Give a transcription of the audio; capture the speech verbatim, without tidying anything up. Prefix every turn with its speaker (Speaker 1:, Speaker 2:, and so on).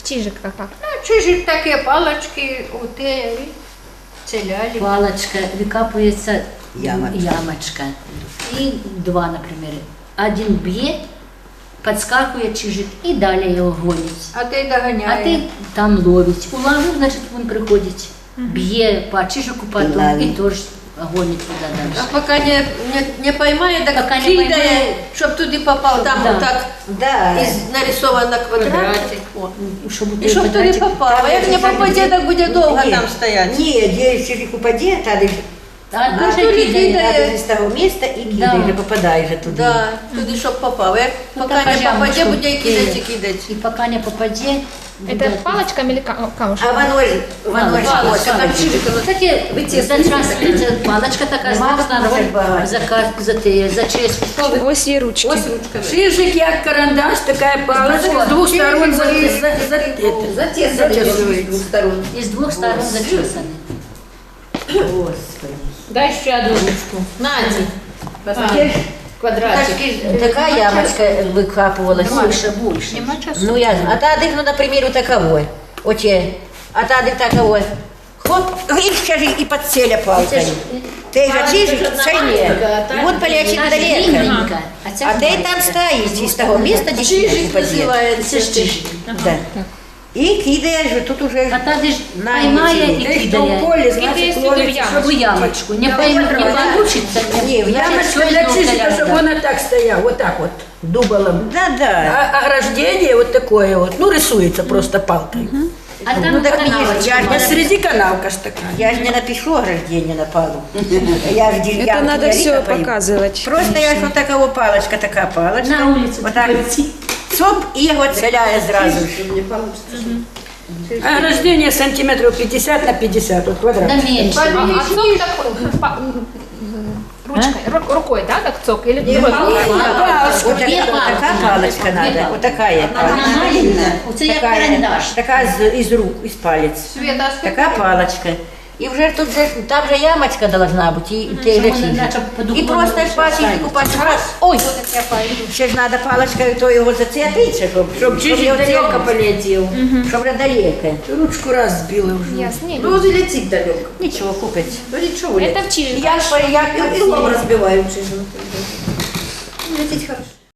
Speaker 1: Чижик как?
Speaker 2: Ну, чижик такі палочки, оте, целяли.
Speaker 3: Палочка, выкапывается
Speaker 4: Ямочка.
Speaker 3: ямочка. И два, например. Один бьет, подскакивает чижик и далее его гонит.
Speaker 2: А ти
Speaker 3: А
Speaker 2: доганяє.
Speaker 3: ты там ловить. Уловил, значит, он приходит. Бье по чижику потом
Speaker 4: ловит.
Speaker 3: и тоже гонит туда
Speaker 2: А
Speaker 3: дальше.
Speaker 2: поки не, не, не поймає, так
Speaker 3: Поки не
Speaker 2: кидає,
Speaker 3: поймає.
Speaker 2: щоб туди попав. Там
Speaker 3: Да.
Speaker 2: отак
Speaker 4: Да.
Speaker 2: із нарисовано квадратик. О.
Speaker 3: Чтобы
Speaker 2: І щоб туди попав. А як не попаде, так буде довго
Speaker 4: Ні.
Speaker 2: там стояти.
Speaker 4: Ні, де чижик упаде, та ж
Speaker 3: А
Speaker 2: А
Speaker 3: тоже
Speaker 2: туди
Speaker 3: кидает.
Speaker 2: кидає.
Speaker 4: надо з того міста і
Speaker 3: Да.
Speaker 4: кидаєш, попадаєш же туди.
Speaker 2: Да, туди, щоб попав. Як
Speaker 3: Ну,
Speaker 2: поки
Speaker 3: так,
Speaker 2: не
Speaker 3: а
Speaker 2: попаде,
Speaker 3: ямочку
Speaker 2: буде кидати і
Speaker 3: кидає.
Speaker 2: кидати.
Speaker 3: И пока не попаде...
Speaker 1: Это палочками или ка- камушком?
Speaker 4: А воно ж, воно ж,
Speaker 2: Палочка,
Speaker 4: ось,
Speaker 2: там
Speaker 4: там
Speaker 2: чижик.
Speaker 3: Кстати, здравствуйте, палочка такая с
Speaker 4: Нема
Speaker 3: двух сторон,
Speaker 4: такого
Speaker 3: за, ка- за, те- за честь.
Speaker 1: Ось є ручки.
Speaker 2: Ось ручка.
Speaker 5: Шижик як карандаш, такая палочка с двух сторон за, за, за, это,
Speaker 4: затесуєш з двох сторон.
Speaker 3: И с двух сторон зачесаны.
Speaker 4: Господи.
Speaker 2: Дай ще одну ручку. Наді.
Speaker 4: Таке ж-
Speaker 2: Квадратик.
Speaker 4: Така ямочка викапувалась.
Speaker 3: Больше, больше.
Speaker 1: Нема часу.
Speaker 4: Ну я, а та дих, ну, например, таковой. Оте, а та дих таковой. Хлоп, и сейчас же и подселя палкой. Ты же чижик, шайне. И вот полячик
Speaker 3: Та ж
Speaker 4: далеко.
Speaker 3: длинненька, а ця
Speaker 4: А ты
Speaker 3: маленька.
Speaker 4: там стоишь из того места, где чижик
Speaker 2: Чижик
Speaker 4: упадет.
Speaker 2: називається.
Speaker 3: Це ж чижик.
Speaker 4: Да. И кидаешь, же, тут уже...
Speaker 3: А та ж
Speaker 4: На,
Speaker 3: поймає
Speaker 4: не
Speaker 3: і
Speaker 5: Ты что в
Speaker 3: кидає.
Speaker 5: поле,
Speaker 1: Кидає
Speaker 5: значит,
Speaker 1: сюди в
Speaker 5: ловит.
Speaker 1: ямочку.
Speaker 3: В ямочку. Не, пойм, не получится.
Speaker 4: Не, в
Speaker 5: Ямочка для чижика, чтобы она так стояла, вот так вот, дуболом.
Speaker 4: Да-да.
Speaker 5: А ограждение вот такое вот, ну рисуется просто палкой.
Speaker 3: А там
Speaker 4: Ну, так
Speaker 3: канавочка.
Speaker 4: я ж
Speaker 5: А среди канавка ж такая.
Speaker 4: Я же не напишу ограждение на полу. Я же деревянку
Speaker 6: Это надо
Speaker 4: не
Speaker 6: все
Speaker 4: выкопаю.
Speaker 6: показывать.
Speaker 4: Просто я ж вот такого палочка, такая палочка.
Speaker 3: На улицу
Speaker 4: Вот так.
Speaker 3: пойти.
Speaker 4: Цоп, и его целяю сразу.
Speaker 5: Ограждение сантиметров пятьдесят на пятьдесят, вот квадрат.
Speaker 3: Да меньше.
Speaker 1: А, а цок такой, па- ручкой, ру- рукой, да, так цок? Или другой рукой?
Speaker 4: Вот
Speaker 3: Две
Speaker 4: такая, вот
Speaker 3: палки.
Speaker 4: такая палочка
Speaker 3: Две
Speaker 4: надо.
Speaker 3: палки.
Speaker 4: Вот такая
Speaker 3: Одна
Speaker 4: палочка.
Speaker 3: маленькая, у тебя
Speaker 4: Такая,
Speaker 3: карандаш.
Speaker 4: такая из, из рук, из палец.
Speaker 2: Света, а скільки?
Speaker 4: Такая палочка. И уже тут же, там же ямочка должна быть, и, и,
Speaker 3: Чтобы
Speaker 4: же
Speaker 3: он
Speaker 4: чижик.
Speaker 3: иначе под
Speaker 4: И
Speaker 3: углом
Speaker 4: просто
Speaker 3: не
Speaker 4: пальчик
Speaker 3: ставить.
Speaker 4: купать раз. Ой,
Speaker 2: Я пойду.
Speaker 4: ще ж надо палочкой то его зацепить, чтобы,
Speaker 5: Чтоб чижик далеко полетел.
Speaker 4: Чтобы далеко.
Speaker 5: Ручку раз сбила уже.
Speaker 1: Ясно. Не,
Speaker 2: Ну, летить далеко.
Speaker 4: Ничего, купить.
Speaker 2: Ну, нічого.
Speaker 1: Это в чижик.
Speaker 4: Я, я, я,
Speaker 2: Я розбиваю чижик. Летить хорошо.